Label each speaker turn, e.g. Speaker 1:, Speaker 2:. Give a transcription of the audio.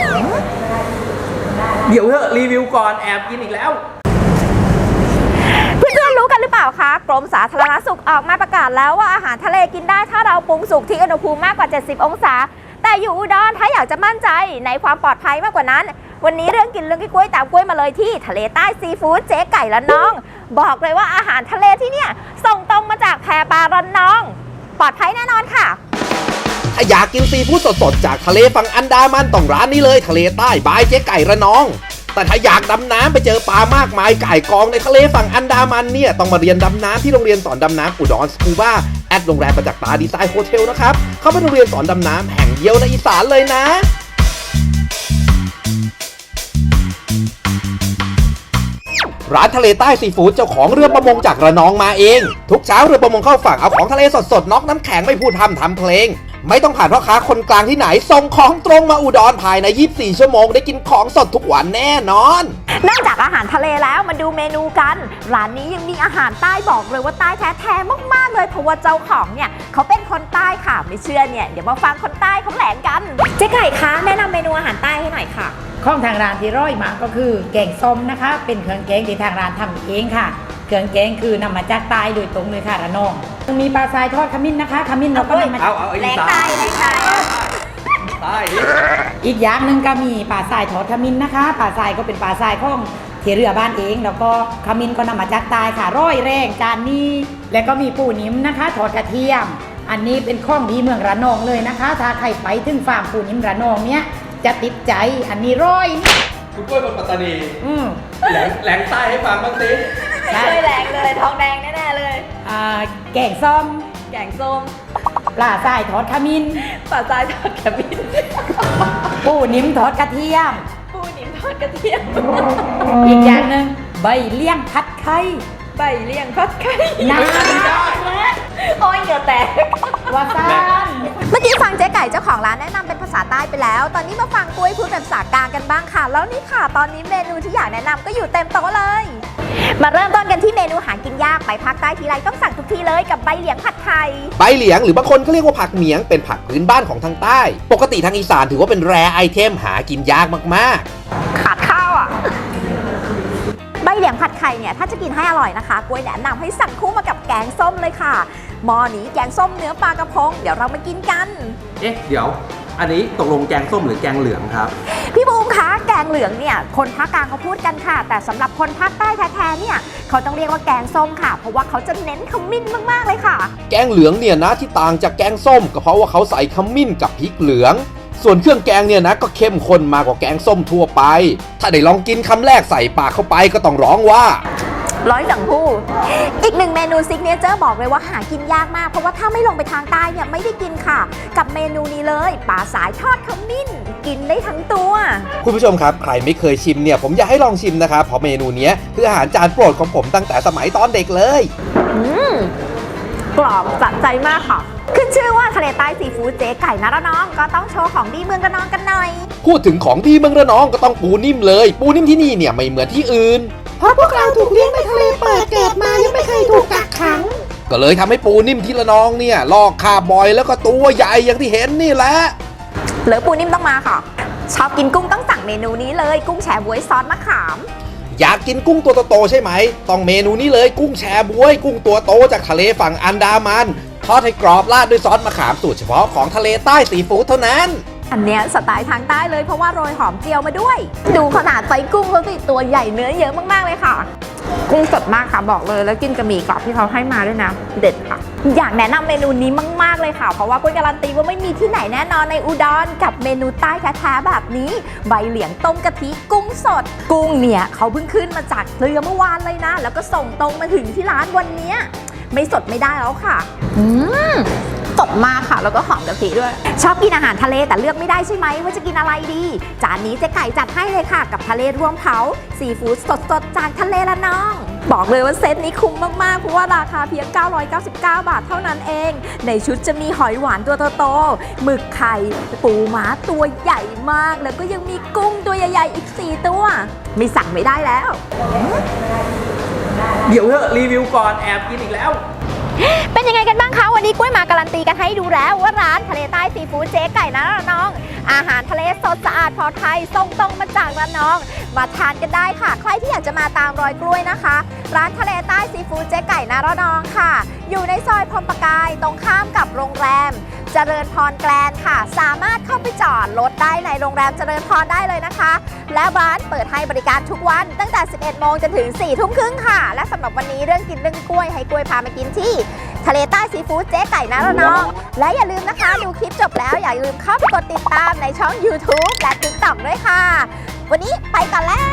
Speaker 1: เดี๋ยวเถอะรีวิวก่อนแอบกินอีกแล้ว
Speaker 2: เพื่อนๆรู้กันหรือเปล่าคะกรมสาธารณสุขออกมาประกาศแล้วว่าอาหารทะเลกินได้ถ้าเราปรุงสุกที่อุณหภูมิมากกว่า70องศาแต่อยู่อุดรถ้าอยากจะมั่นใจในความปลอดภัยมากกว่านั้นวันนี้เรื่องกินเรื่องกล้วยตามกล้วยมาเลยที่ทะเลใต้ซีฟู้ดเจ๊ไก่ละน้องบอกเลยว่าอาหารทะเลที่เนี่ยส่งตรงมาจากแพปลาระนองปลอดภัยแน่นอนค่ะ
Speaker 3: ถ้าอยากกินซีฟู้ดสดๆจากทะเลฝั่งอันดามันต้องร้านนี้เลยทะเลใต้บายเจ๊ไก่ระนองแต่ถ้าอยากดำน้ำไปเจอปลามากมายไก่กองในทะเลฝั่งอันดามันเนี่ยต้องมาเรียนดำน้ำที่โรงเรียนสอนดำน้ำอุดรสกูบ้าแอดโรงแรมประจักษ์ตาดีไซน์โฮเทลนะครับเขาเป็นโรงเรียนสอนดำน้ำแห่งเดียวในอีสานเลยนะร้านทะเลใต้ซีฟู้ดเจ้าของเรือประมงจากระนองมาเองทุกเช้าเรือประมงเข้าฝั่งเอาของทะเลสดๆน็อกน้ำแข็งไม่พูดทำเพลงไม่ต้องผ่านพ่อค้าคนกลางที่ไหนส่งของตรงมาอุดรภายใน24ชั่วโมงได้กินของสดทุกวันแน่นอน
Speaker 2: นอกจากอาหารทะเลแล้วมาดูเมนูกันร้านนี้ยังมีอาหารใต้บอกเลยว่าใต้แท้ๆมากๆเลยเพราะว่าเจ้าของเนี่ยเขาเป็นคนใต้ค่ะไม่เชื่อเนี่ยเดี๋ยวมาฟังคนใต้เขาแถลงกันเจ๊ไก่คะแนะนำเมนูอาหารใต้ให้หน่อยค่ะ
Speaker 4: ของทางร้านที่ร่อยมากก็คือแกงส้มนะคะเป็นเครื่องแกงที่ทางร้านทำเองค่ะเครื่องแกงคือนำมาจากใต้โดยตรงเลยค่ะระนองมีปลาทรายทอดขมิ้นนะคะขมิ้นเราก็นำมาจาก
Speaker 2: แรงใต้
Speaker 4: อีกอย่างหนึ่งก็มีปลาทรายทอดขมิ้นนะคะปลาทรายก็เป็นปลาทรายของเที่เรือบ้านเองแล้วก็ขมิ้นก็นำมาจากใต้ค่ะร่อยแรงจานนี้แล้วก็มีปูนิ่มนะคะทอดกระเทียมอันนี้เป็นของดีเมืองระนองเลยนะคะถ้าใครไปถึงฟาร์มปูนิ่มระนองเนี้ยจะติดใจอันนี้ร้อย
Speaker 1: คุณกล้วยเป็นปัตตานีแหลงใต้ให้ฟังบ้างสิ
Speaker 2: ไม่เคยแหลงเลยทองแดงแน่ๆเลย
Speaker 4: แกงส้มปลาทรายทอดขมิ้น
Speaker 2: ปลาทรายทอดขมิ้น
Speaker 4: ปูนิ่มทอดกระเทียมอีกอย่างหนึ่งใบเลี้ยงผัดไข่
Speaker 2: น้ำโอ้ยเหงื่อแตก
Speaker 4: วาซา
Speaker 2: เมื่อกี้ฟังเจ๊ไก่เจ้าของร้านแนะนำเป็นภาษาใต้ไปแล้วตอนนี้มาฟังกล้วยพูดเป็นภาษากลางกันบ้างค่ะแล้วนี่ค่ะตอนนี้เมนูที่อยากแนะนำก็อยู่เต็มโต๊ะเลยมาเริ่มต้นกันที่เมนูหากินยากไปภาคใต้ทีไรต้องสั่งทุกทีเลยกับใบเหลียงผัดไทย
Speaker 3: ใบเหลียงหรือบางคนก็เรียกว่าผักเหมียงเป็นผักพื้นบ้านของทางใต้ปกติทางอีสานถือว่าเป็นแรร์ไอเทมหากินยากมาก
Speaker 2: ๆขาดข้าวอ่ะใบเหลียงผัดไข่เนี่ยถ้าจะกินให้อร่อยนะคะกล้วยแนะนำให้สั่งคู่มากับแกงส้มเลยค่ะหม้อนี้แกงส้มเนื้อปลากระพงเดี๋ยวเรามากินกัน
Speaker 1: เดี๋ยวอันนี้ตกลงแกงส้มหรือแกงเหลืองครับ
Speaker 2: พี่บูมคะแกงเหลืองเนี่ยคนภาคกลางเขาพูดกันค่ะแต่สำหรับคนภาคใต้แท้ๆเนี่ยเขาต้องเรียกว่าแกงส้มค่ะเพราะว่าเขาจะเน้นขมิ้นมากๆเลยค่ะ
Speaker 3: แกงเหลืองเนี่ยนะที่ต่างจากแกงส้มก็เพราะว่าเขาใส่ขมิ้นกับพริกเหลืองส่วนเครื่องแกงเนี่ยนะก็เข้มข้นมากกว่าแกงส้มทั่วไปถ้าได้ลองกินคำแรกใส่ปากเข้าไปก็ต้องร้องว่า
Speaker 2: ร้อยจังผู้อีกหนึ่งเมนูซิกเนเจอร์บอกเลยว่าหากินยากมากเพราะว่าถ้าไม่ลงไปทางใต้เนี่ยไม่ได้กินค่ะกับเมนูนี้เลยปลาสายทอดขมิ้นกินได้ทั้งตัว
Speaker 3: คุณผู้ชมครับใครไม่เคยชิมเนี่ยผมอยากให้ลองชิมนะครับเพราะเมนูนี้คืออาหารจานโปรดของผมตั้งแต่สมัยตอนเด็กเลย
Speaker 2: กรอบสะใจมากค่ะขึ้นชื่อว่าทะเลใต้ซีฟู้ดเจ๊ไก่ระนองก็ต้องโชว์ของดีเมืองระนองกันหน่อย
Speaker 3: พูดถึงของดีเมืองระนองก็ต้องปูนิ่มเลยปูนิ่มที่นี่เนี่ยไม่เหมือนที่อื่น
Speaker 4: เพราะพวกเราถูกเลี้ยงในทะเลเปิดเกิดมายังไม่เคยถูกกักขัง
Speaker 3: ก็เลยทำให้ปูนิ่มที่ระนองเนี่ยลอกคาบอยแล้วก็ตัวใหญ่อย่างที่เห็นนี่แหละ
Speaker 2: เหลือปูนิ่มต้องมาค่ะชอบกินกุ้งต้องสั่งเมนูนี้เลยกุ้งแชบ๊วยซอสมะขาม
Speaker 3: อยากกินกุ้งตัวโตๆใช่ไหมต้องเมนูนี้เลยกุ้งแชบ๊วยกุ้งตัวโตจากทะเลฝั่งอันดามันทอดให้กรอบราดด้วยซอสมะขามสูตรเฉพาะของทะเลใต้ซีฟู้ดเท่านั้น
Speaker 2: อันเนี้ยสไตล์ทางใต้เลยเพราะว่าโรยหอมเจียวมาด้วยดูขนาดไซส์กุ้งเขาสิตัวใหญ่เนื้อเยอะมากๆเลยค่ะกุ้งสดมากค่ะบอกเลยแล้วกินกับหมี่กรอบที่เขาให้มาด้วยนะเด็ดค่ะอยากแนะนำเมนูนี้มากๆเลยค่ะเพราะว่ากุ้ยการันตีว่าไม่มีที่ไหนแน่นอนในอุดรกับเมนูใต้แท้ๆแบบนี้ใบเหลียงต้มกะทิกุ้งสดกุ้งเนี่ยเขาเพิ่งขึ้นมาจากเรือเมื่อวานเลยนะแล้วก็ส่งตรงมาถึงที่ร้านวันนี้ไม่สดไม่ได้แล้วค่ะสดมากค่ะแล้วก็หอมกะทิด้วยชอบกินอาหารทะเลแต่เลือกไม่ได้ใช่ไหมว่าจะกินอะไรดีจานนี้เจ๊ไก่จัดให้เลยค่ะกับทะเลรวมเผาซีฟู้ดสดๆจากทะเลละน้องบอกเลยว่าเซตนี้คุ้มมากๆเพราะว่าราคาเพียง999 บาทเท่านั้นเองในชุดจะมีหอยหวานตัวโตๆหมึกไข่ปูม้าตัวใหญ่มากแล้วก็ยังมีกุ้งตัวใหญ่ๆอีก4ตัวไม่สั่งไม่ได้แล้ว
Speaker 1: เดี๋ยวเถอะรีวิวก่อนแอบกินอีกแล้ว
Speaker 2: เป็นยังไงกันบ้างคะวันนี้กล้วยมาการันตีกันให้ดูแล้วว่าร้านทะเลใต้ซีฟู้ดเจ๊ไก่นะระนองอาหารทะเลสดสะอาดปลอดภัยส่งตรงมาจากระนองมาทานกันได้ค่ะใครที่อยากจะมาตามรอยกล้วยนะคะร้านทะเลใต้ซีฟู้ดเจ๊ไก่นะระนองค่ะอยู่ในซอยพรหมประกายตรงข้ามกับโรงแรมเจริญพรแกลนค่ะสามารถเข้าไปจอดรถได้ในโรงแรมเจริญพรได้เลยนะคะและร้านเปิดให้บริการทุกวันตั้งแต่ 11 โมงจนถึง 4 ทุ่มครึ่งค่ะและสำหรับวันนี้เรื่องกินเรื่องกล้วยให้กล้วยพามากินที่ทะเลใต้ซีฟู้ดเจ๊ไก่นะระนองและอย่าลืมนะคะดูคลิปจบแล้วอย่าลืมเข้าไปกดติดตามในช่อง YouTube และ TikTok ด้วยค่ะวันนี้ไปก่อนแล้ว